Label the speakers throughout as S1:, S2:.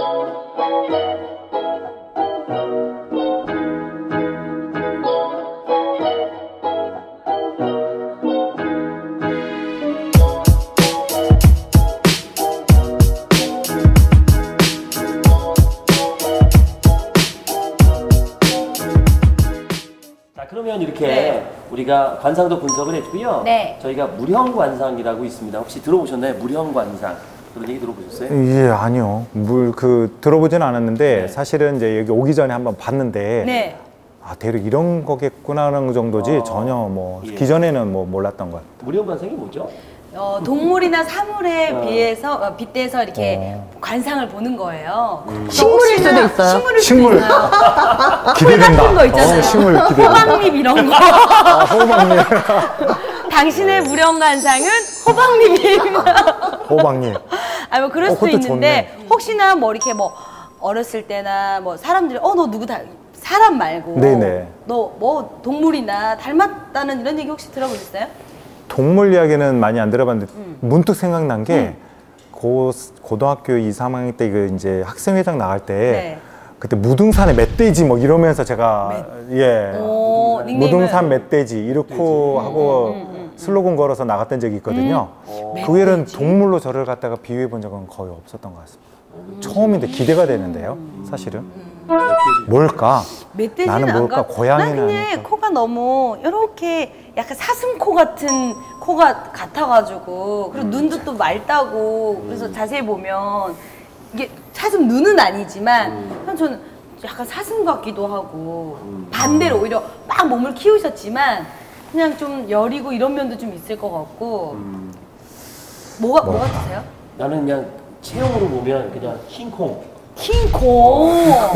S1: 그러면 이렇게 우리가 관상도 분석을 했고요.
S2: 네.
S1: 저희가 무형관상이라고 있습니다. 혹시 들어보셨나요? 무형관상. 그런 얘기 들어보셨어요?
S3: 예, 아니요. 들어보진 않았는데
S1: 네.
S3: 사실은 이제 여기 오기 전에 한번 봤는데
S2: 네.
S3: 아, 대략 이런 거겠구나 하는 정도지 전혀
S1: 예.
S3: 기존에는 몰랐던 것 같아요.
S1: 무형관상이 뭐죠?
S2: 동물이나 사물에 비해서 빗대서 이렇게 관상을 보는 거예요.
S4: 식물일 수도 있어요.
S2: 식물일 수도
S3: 식물.
S2: 있어요.
S3: 기대된다.
S2: 같은 거 있잖아요.
S3: 식물 기대된다.
S2: 호박잎 이런 거.
S3: 아, 호박잎.
S2: 당신의 무령관상은 호박잎입니다.
S3: 호박잎.
S2: 뭐 그럴 수도
S3: 그것도
S2: 있는데
S3: 좋네.
S2: 혹시나 뭐 이렇게 뭐 어렸을 때나 뭐 사람들이 너 누구 사람 말고
S3: 네네.
S2: 너 뭐 동물이나 닮았다는 이런 얘기 혹시 들어보셨어요?
S3: 동물 이야기는 많이 안 들어봤는데 문득 생각난 게 고등학교 2, 3학년 때 이제 학생회장 나갈 때
S2: 네.
S3: 그때 무등산의 멧돼지 뭐 이러면서 제가 무등산 멧돼지 이렇게 하고 슬로건 걸어서 나갔던 적이 있거든요. 그 외에는 동물로 저를 갖다가 비유해 본 적은 거의 없었던 것 같습니다. 처음인데 기대가 되는데요, 사실은. 뭘까?
S2: 멧돼지는
S3: 나는 뭘까? 고양이는
S2: 난 그냥
S3: 아닐까?
S2: 코가 너무 이렇게 약간 사슴코 같은 코가 같아가지고 그리고 눈도 또 맑다고 그래서 자세히 보면 이게 사슴 눈은 아니지만 저는 약간 사슴 같기도 하고 반대로 오히려 막 몸을 키우셨지만 그냥 좀 여리고 이런 면도 좀 있을 것 같고 뭐 같으세요?
S1: 나는 그냥 체형으로 보면 그냥 킹콩.
S2: 킹콩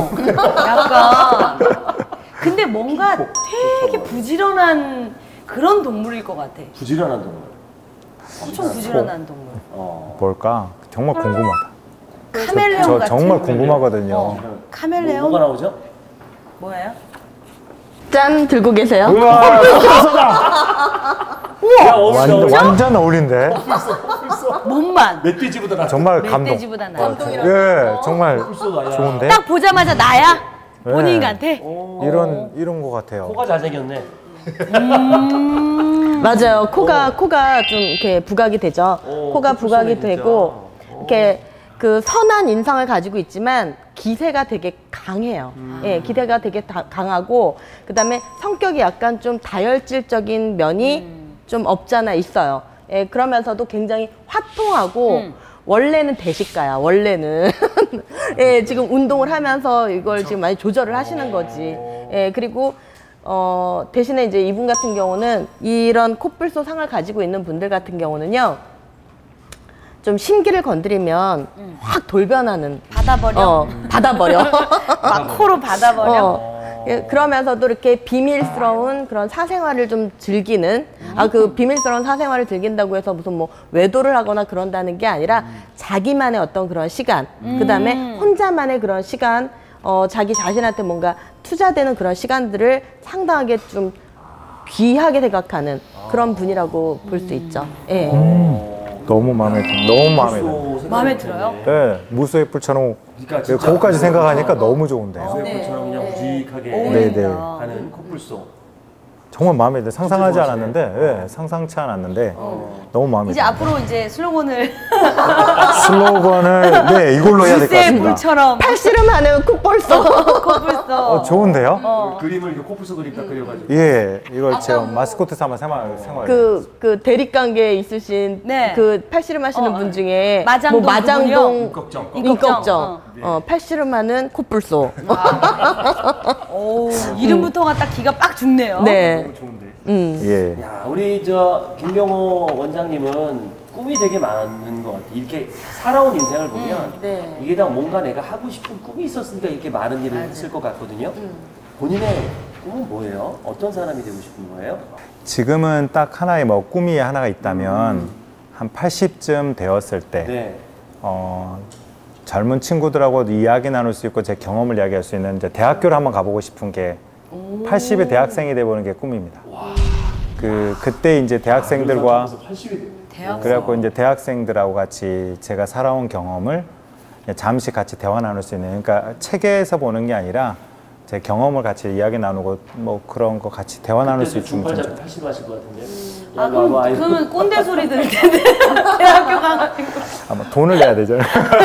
S2: 약간 근데 뭔가 되게 부지런한 그런 동물일 것 같아.
S1: 부지런한 동물.
S2: 엄청 부지런한 동물.
S3: 뭘까? 정말 궁금하다.
S2: 카멜레온
S3: 저
S2: 같은.
S3: 정말 궁금하거든요.
S2: 카멜레온?
S1: 뭐가 나오죠?
S2: 뭐예요?
S4: 짠 들고 계세요.
S3: 우와,
S1: 야,
S3: 완전 어울린데?
S2: 몸만.
S1: 멧돼지보다 나.
S3: 정말 감동.
S2: 멧돼지보다 나아.
S3: 예, 정말
S1: 나야.
S3: 좋은데?
S2: 딱 보자마자 나야?
S3: 네.
S2: 본인 같아?
S3: 이런 거 같아요.
S1: 코가 잘생겼네.
S4: 맞아요. 코가 좀 이렇게 부각이 되죠. 코가 부각이
S1: 진짜.
S4: 되고 이렇게 그 선한 인상을 가지고 있지만 기세가 되게 강해요. 예, 기세가 되게 강하고 그다음에 성격이 약간 좀 다혈질적인 면이 좀 없잖아 있어요. 예, 그러면서도 굉장히 화통하고 원래는 대식가야. 원래는 예, 지금 운동을 하면서 이걸 지금 많이 조절을 하시는 거지. 예, 그리고 대신에 이제 이분 같은 경우는 이런 코뿔소 상을 가지고 있는 분들 같은 경우는요. 좀 심기를 건드리면 확 돌변하는.
S2: 받아버려?
S4: 받아버려.
S2: 막 코로 받아버려?
S4: 예, 그러면서도 이렇게 비밀스러운 그런 사생활을 좀 즐기는 그 비밀스러운 사생활을 즐긴다고 해서 무슨 뭐 외도를 하거나 그런다는 게 아니라 자기만의 어떤 그런 시간 그 다음에 혼자만의 그런 시간 자기 자신한테 뭔가 투자되는 그런 시간들을 상당하게 좀 귀하게 생각하는 그런 분이라고 볼 수 있죠. 예.
S3: 너무 마음에 들어. 너무 마음에 들어.
S2: 마음에 들어요?
S3: 네, 무수의 뿔처럼
S1: 그러니까 진짜
S3: 그거까지 생각하니까 너무 좋은데요.
S1: 소액뿔처럼 그냥 우직하게
S3: 네네.
S1: 하는 코뿔소.
S3: 정말 마음에 들어. 상상하지 않았는데, 예, 상상치 않았는데 너무 마음에
S2: 이제
S3: 들어.
S2: 앞으로 이제 슬로건을
S3: 슬로건을 네 이걸로 해야 될 것
S2: 불새
S3: 같습니다.
S2: 불처럼
S4: 팔씨름하는 코뿔소.
S2: 코뿔소.
S3: 좋은데요?
S1: 그림을 이렇게 코뿔소 그림 딱 그려가지고.
S3: 예, 이걸 제가 마스코트 삼아 생활.
S4: 그 대립관계에 있으신
S2: 네.
S4: 그 팔씨름 하시는 분 중에
S2: 마장동
S4: 뭐 마장동
S1: 임꺽정.
S4: 임꺽정 팔씨름하는 코뿔소.
S2: 오, 이름부터가 딱 기가 빡 죽네요.
S4: 네.
S1: 너무 좋은데.
S3: 예.
S1: 야, 우리 저 김병호 원장님은 꿈이 되게 많은 것 같아. 이렇게 살아온 인생을 보면
S2: 네.
S1: 이게 다 뭔가 내가 하고 싶은 꿈이 있었으니까 이렇게 많은 일을 했을 것 같거든요. 본인의 꿈은 뭐예요? 어떤 사람이 되고 싶은 거예요?
S3: 지금은 딱 하나의 뭐 꿈이 하나가 있다면 한 80쯤 되었을 때
S1: 네.
S3: 젊은 친구들하고 이야기 나눌 수 있고 제 경험을 이야기할 수 있는 이제 대학교를 한번 가보고 싶은 게 80의 대학생이 돼보는 게 꿈입니다. 그때 이제 대학생들과 그래갖고 이제 대학생들하고 같이 제가 살아온 경험을 그냥 잠시 같이 대화 나눌 수 있는, 그러니까 책에서 보는 게 아니라 제 경험을 같이 이야기 나누고 뭐 그런 거 같이 대화 나눌 수 있으면
S1: 중팔
S3: 좀
S1: 잡고 팔씨름 하실 것 같은데.
S2: 아, 그러면 꼰대 소리 들을 텐데. 대학교 가가지고.
S3: 아마 돈을 내야 되죠.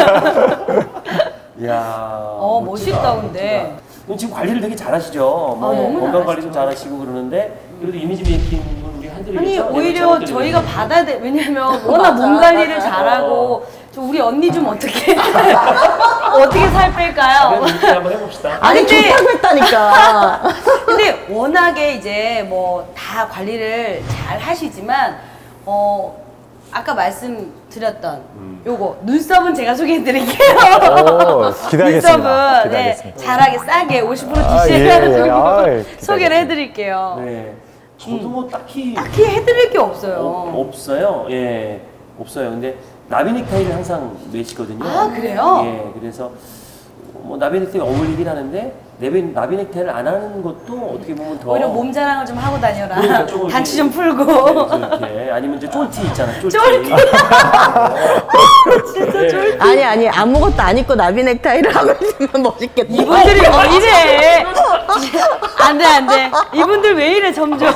S1: 이야.
S2: 멋있다, 근데.
S1: 그럼 지금 관리를 되게 잘하시죠. 뭐
S2: 너무
S1: 건강 관리도 잘하시고 그러는데 그래도 이미지 메이킹은 우리
S2: 아니,
S1: 한들이겠죠?
S2: 오히려 저희가 받아야 돼. 왜냐면 워낙 몸 관리를 잘하고. 저 우리 언니 좀 어떻게. 어떻게 살 뺄까요?
S1: 이렇게 한번 해봅시다.
S4: 아니
S2: 근데-
S4: 좋다고 했다니까.
S2: 근데 워낙에 이제 뭐 다 관리를 잘 하시지만 아까 말씀드렸던 요거 눈썹은 제가 소개해드릴게요.
S3: 오, 기대하겠습니다.
S2: 눈썹은 네,
S3: 기대하겠습니다.
S2: 잘하게 싸게 50%
S3: 아,
S2: DC해가지고
S3: 예. 아이,
S2: 소개를
S3: 기대하겠습니다.
S2: 해드릴게요.
S1: 네. 저도 뭐 딱히
S2: 딱히 해드릴 게 없어요.
S1: 없어요. 예, 없어요. 근데 나비 넥타이를 항상 매시거든요.
S2: 아, 그래요?
S1: 예, 그래서 뭐 나비 넥타이 어울리긴 하는데 나비 넥타이를 안 하는 것도 어떻게 보면 더
S2: 오히려 몸 자랑을 좀 하고 다녀라.
S1: 그러니까 조금
S2: 단치 좀
S1: 이렇게,
S2: 풀고.
S1: 이렇게 아니면 이제 쫄티 있잖아. 쫄티.
S2: 쫄티. 진짜 쫄티.
S4: 아니 아무것도 안 입고 나비 넥타이를 하고 있으면 멋있겠다.
S2: 이분들이 왜 이래? 안 돼. 이분들 왜 이래, 점점.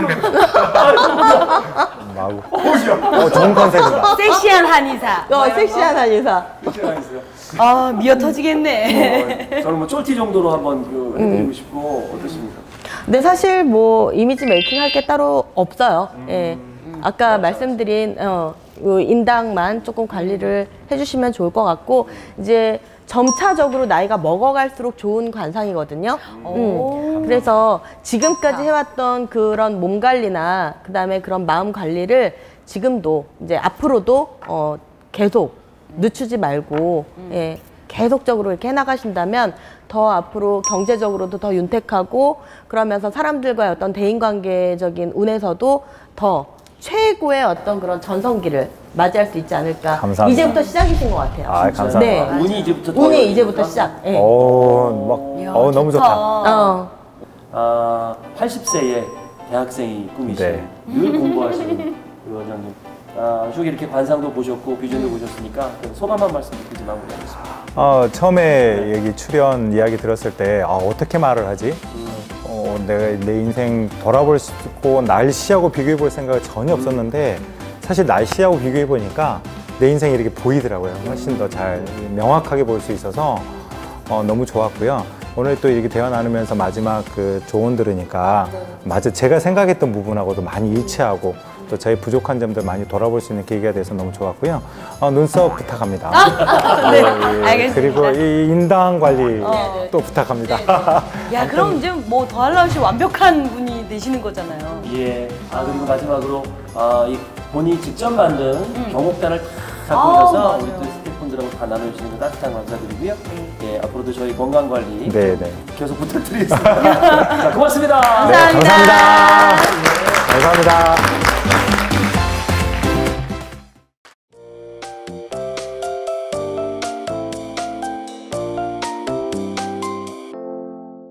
S3: 마구. 좋은 컨셉이다.
S2: 섹시한 한의사.
S4: 섹시한 한의사.
S2: 아, 미어 터지겠네.
S1: 저는 뭐 쫄티 정도로 한번 해드리고 싶고 어떠십니까?
S4: 근데 사실 뭐 이미지 메이킹 할 게 따로 없어요. 예. 아까 말씀드린 요 인당만 조금 관리를 해주시면 좋을 것 같고 이제 점차적으로 나이가 먹어갈수록 좋은 관상이거든요. 그래서 지금까지 해왔던 그런 몸 관리나 그다음에 그런 마음 관리를 지금도 이제 앞으로도 계속 늦추지 말고 예, 계속적으로 이렇게 해나가신다면 더 앞으로 경제적으로도 더 윤택하고 그러면서 사람들과의 어떤 대인관계적인 운에서도 더 최고의 어떤 그런 전성기를 맞이할 수 있지 않을까.
S3: 감사합니다.
S4: 이제부터 시작이신 것 같아요.
S3: 아, 감사합니다.
S4: 네.
S1: 운이 이제부터
S4: 운이 이제부터 시작. 예.
S3: 너무 좋다.
S1: 80세의 대학생이 꿈이신
S3: 네.
S1: 늘 공부하시는 그 원장님. 쭉 이렇게 관상도 보셨고 비전도 보셨으니까 소감 한 말씀 듣지 마무리하겠습니다.
S3: 처음에 여기 출연 이야기 들었을 때 어떻게 말을 하지? 내가 내 인생 돌아볼 수 있고 날씨하고 비교해 볼 생각이 전혀 없었는데 사실 날씨하고 비교해 보니까 내 인생이 이렇게 보이더라고요. 훨씬 더 잘 명확하게 볼 수 있어서 너무 좋았고요. 오늘 또 이렇게 대화 나누면서 마지막 그 조언 들으니까 맞아 제가 생각했던 부분하고도 많이 일치하고 또 저희 부족한 점들 많이 돌아볼 수 있는 계기가 돼서 너무 좋았고요. 눈썹 부탁합니다.
S2: 네,
S3: 예.
S2: 알겠습니다.
S3: 그리고 이 인당 관리 또 부탁합니다.
S2: 야, 그럼 이제 뭐 더할 나위 없이 완벽한 분이 되시는 거잖아요.
S1: 예. 그리고 마지막으로 이 본인이 직접 만든 경옥단을 다 갖고 오셔서
S2: 맞아요.
S1: 우리 또 스태프분들하고 다 나눠주시는 거 따뜻한 감사드리고요. 예, 앞으로도 저희 건강 관리
S3: 네네.
S1: 계속 부탁드리겠습니다. 자, 고맙습니다.
S3: 네, 감사합니다. 감사합니다.